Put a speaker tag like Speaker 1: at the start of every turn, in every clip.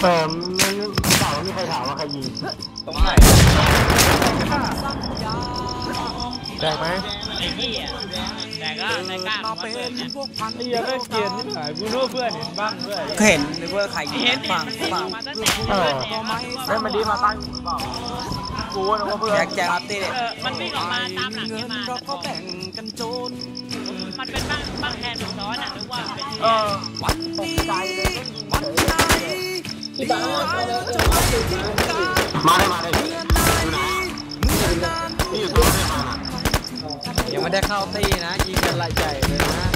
Speaker 1: ไม่เต่าไม่มีใครถามว่าใครยิง
Speaker 2: ตรงไหน
Speaker 3: แตกไหม
Speaker 4: ไอ้เหี้ยแต่ก็ในกล้ามาเป็นพวกพัน
Speaker 2: ไอ้เหี้ยไม่เกลียดนี่หายกูรู้เพื่อนเห็นบ้างด้วย
Speaker 5: เห็นหรือว่าใครยิงฟังฟัง
Speaker 1: ได้มาดีมาตั้งเปล่ากูนะว่าเพื่อน
Speaker 5: แจ็คครับตีเด็
Speaker 4: มันวิ่งออกมาตามหลังแกมาเราก็แบ่งกันโจรมันเป็นบ้างแทนซ้อนอ่ะหรือว่าเป็น
Speaker 1: วันนี้วันไหนที่บ้านมาเลยอยู่ตัวไหน
Speaker 5: ยังไม่ได้เข้าตีนะยิงกันละใหญ่เลยนะ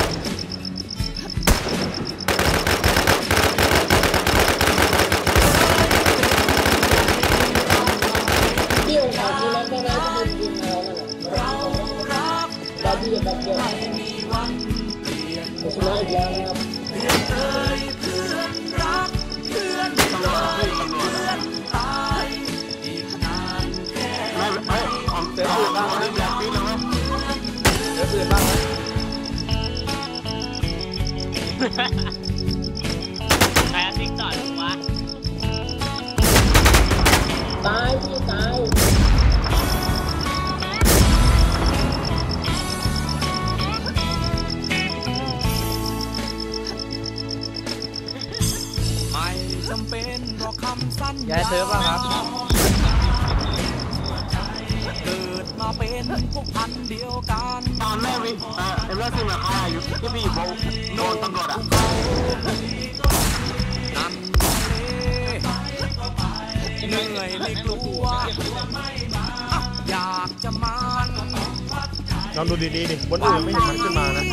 Speaker 1: ที่องค์การที่นั้นก็น่าจะเป็นยิงแล้วนั่นแหละเราที่จะแบบเดียวชนะอีกแล้วนะครับเพื่อนรักเพื่อนตายอีกนานแค่ไม่ของเสือปืนบ้างนะอยากปีนเลยเสือปืนบ้าง
Speaker 4: ใครเอาทิ้งต่อหรือวะ
Speaker 1: ตายพี่ตาย
Speaker 5: จำเป็นเพราะคำสั้นย้ายเซิร์ฟบ้างครับเกิดมาเป็นพวกพันเดียวกัน
Speaker 1: ตอนแรกวิเอ็มเล่าซิมาฆ่าอยู่ที่พี่อยู่โดนตำรวจนั่น
Speaker 5: เหนื่อยไม่กลัวอยากจะมา
Speaker 3: ลองดูดีๆดิบนอื่นไม่เห็นมันขึ้นมานะ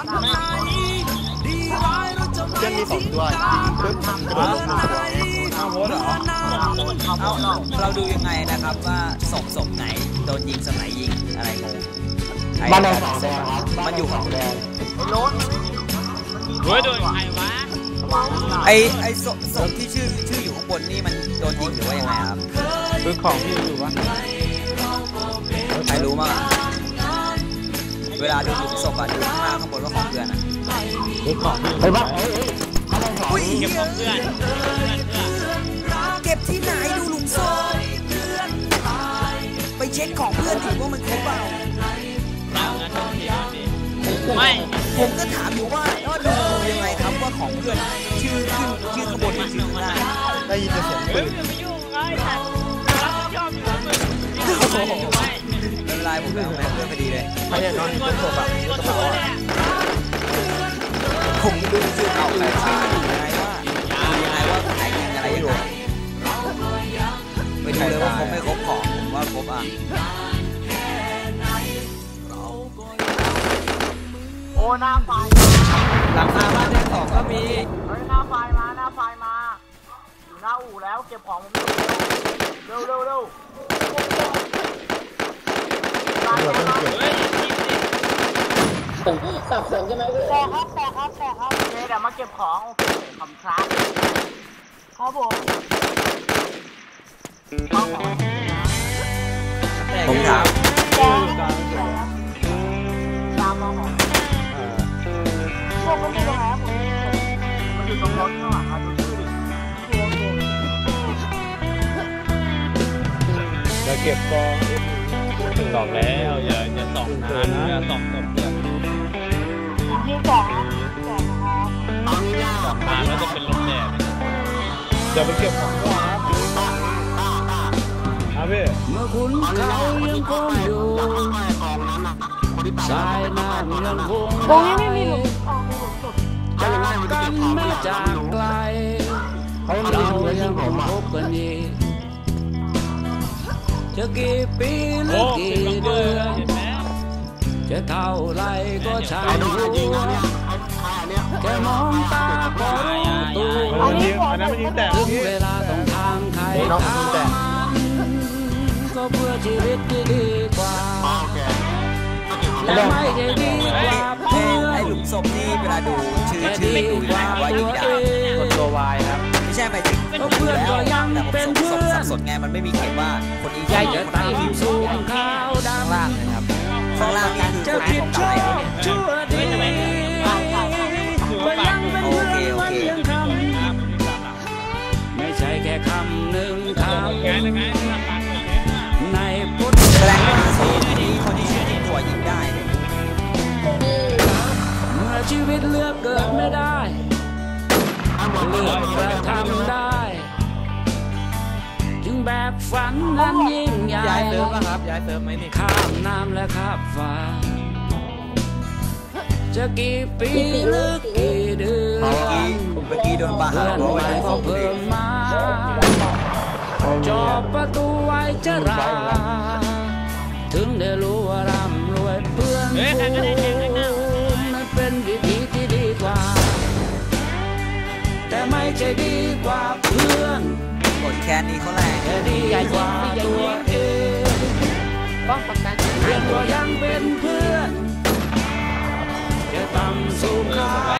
Speaker 3: เช่นมี2ตัวยิงปึ๊บกระโดดลง1ตัว
Speaker 2: เอาโหเหรอ
Speaker 5: เราดูยังไงนะครับว่าศพไหนโดนยิงสมัยยิงอะไรงง
Speaker 1: บ้านแดง2แดงครับ
Speaker 5: มันอยู่ของแดง
Speaker 1: ไอ้โน้ต
Speaker 4: โดนใครวะ
Speaker 5: ไอ้ศพที่ชื่ออยู่ข้างบนนี่มันโดนยิงหรือว่ายังไงครับ
Speaker 2: คือของที่อยู่วะ
Speaker 5: ใครรู้มั้งเวลาดูศพอะดูข้างหน้าข้างบนว่าของเพื่อนอะ
Speaker 2: คือของที่
Speaker 1: ไปบ้าน
Speaker 4: เก็บของเพื่อน
Speaker 5: เก็บที่ไหนดูหลุมศพไปเช็คของเพื่อนถึงว่ามันครบเปล่า
Speaker 4: ไม่
Speaker 5: ผมก็ถามอยู่ว่าดูยังไงครับว่าของเพื่อนชื่อข้างบนมันชื่อข้างล่าง
Speaker 3: ได้ยินแต่เสียงปืน
Speaker 4: ไม่ยุ่งไงแต่รับผิดชอบอยู่ไม่
Speaker 5: เป็นไรผมแล้วเพื่อนพอดีเลย
Speaker 3: ใครเนี่ยนอนอยู่บนศพอะกระเป๋าอะ
Speaker 5: ผมดูชื่อเขาใครยังไงว่าใครยิงอะไรอยู่ไม่รู้เลยว่าครบไม่ครบของผมว่าครบอ่ะ
Speaker 1: โอ้หน้าไฟ
Speaker 5: หลังคาบ้านแดง2ก็มี
Speaker 1: หน้าไฟมาอยู่หน้าอู่แล้วเก็บของผมเร็วสับสนใช่ไหมแต่ครับเดี๋ยวมาเก็บของโอเคขอบคุณครับ
Speaker 5: ผมถาม
Speaker 1: ตามมาของพวกมันอยู่ตรงไหนมันอยู่ตรงรถข้างหลังครับดูชื่อดิ
Speaker 2: จะเก็บกองสองแล้วอย่าส่องนานอย่าส่องเพื่อน
Speaker 1: ที่สองนะครับตอนนี้
Speaker 2: ส่องนานแล้วจะเป็นลมแดดอย่าไปเก็บของก่อนครับพี่
Speaker 5: เมื่อคุณเขายังคงอยู่สายน้ำยังคง
Speaker 1: ตรงนี้ไม่มีหลุม
Speaker 5: จากกันไม่จากไกลเรายังคงพบกันอีกจะกี่ปีหรือกี่เดือนจะเท่าไรก็ช่างรู้แค่มองตาก็รู้ตัวถึงเวลาต้องทางใครทางก็เพื่อชีวิตที่ดีกว่าและไม่ได้ดีกว่าเพื่อนไอ้หลุมศพนี่เวลาดูชื่อไม่ดูนะว่ายิงได้
Speaker 2: กดตัววายครับ
Speaker 5: ไม่ใช่ไปถึงเพื่อนก็ยังเป็นเพื่อนสับสนไงมันไม่มีเขียนว่าคนนี้ใหญ่จะตั้งทีมสูงข้าวดำข้างล่างนะครับข้างล่างนี่คือคนที่ผมตายชั่วดีก็ยังเป็นเพื่อนมันยังทำไม่ใช่ชีวิตเลือกเกิดไม่ได้เลือกกระทำได้จึงแบกฝันนั้นยิ่งใหญ่ย้ายเติมป่ะครับย้ายเติมไหมนี่ข้ามน้ำและข้ามฟ้าจะกี่ปีหรือกี่เดือนเมื่อกี้โดนประหารใหม่ก็เพิ่มมาจอบประตูไว้จะราถึงได้รู้ว่าร่ำรวยเพื่อนฝูงนั้นเป็นวิธีที่ดีกว่าแต่ไม่ใช่ดีกว่าเพื่อนกดแค่นี้เขาแรงแต่ดีกว่าตัวเองเพียงว่ายังเป็นเพื่อนจะต่ำสูง